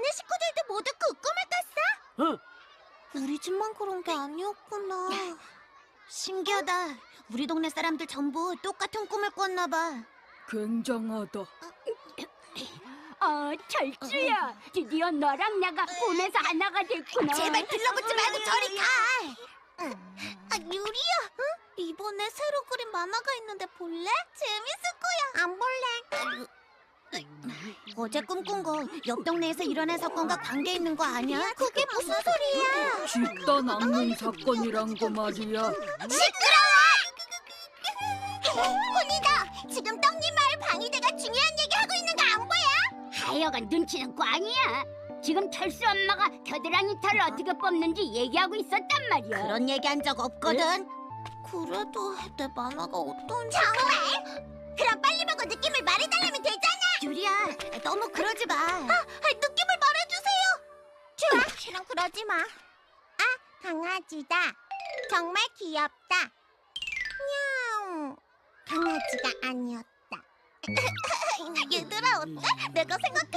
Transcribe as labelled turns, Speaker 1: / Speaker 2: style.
Speaker 1: 동네 식구들도 모두 그 꿈을 꿨어?
Speaker 2: 어,
Speaker 1: 우리 집만 그런 게 아니었구나. 신기하다. 우리 동네 사람들 전부 똑같은 꿈을 꿨나 봐.
Speaker 3: 굉장하다.
Speaker 4: 철수야, 드디어 너랑 내가 꿈에서 하나가 됐구나.
Speaker 1: 제발 들러붙지 말고 저리 가. 유리야, 응? 이번에 새로 그린 만화가 있는데 볼래? 재밌을 거야. 안 볼래. 어제 꿈꾼 거 옆 동네에서 일어난 사건과 관계 있는 거 아니야? 그게 무슨 소리야?
Speaker 3: 집단 악몽 사건이란 거 말이야.
Speaker 1: 시끄러워! 훈이다, 지금 떡잎 마을 방위대가 중요한 얘기 하고 있는 거 안 보여?
Speaker 4: 하여간 눈치는 꽝이야. 지금 철수 엄마가 겨드랑이 털을 어떻게 뽑는지 얘기하고 있었단 말이야.
Speaker 1: 그런 얘기 한 적 없거든. 그래도 내 만화가 어떤지. 정말? 그럼 빨리 보고 느낌을 말해달라면 되잖아. 유리야, 너무 그러지 마. 느낌을 말해주세요. 좋아, 실은 그러지 마. 아, 강아지다. 정말 귀엽다. 냥. 강아지가 아니었다. 얘들아, 어때? 내가 생각한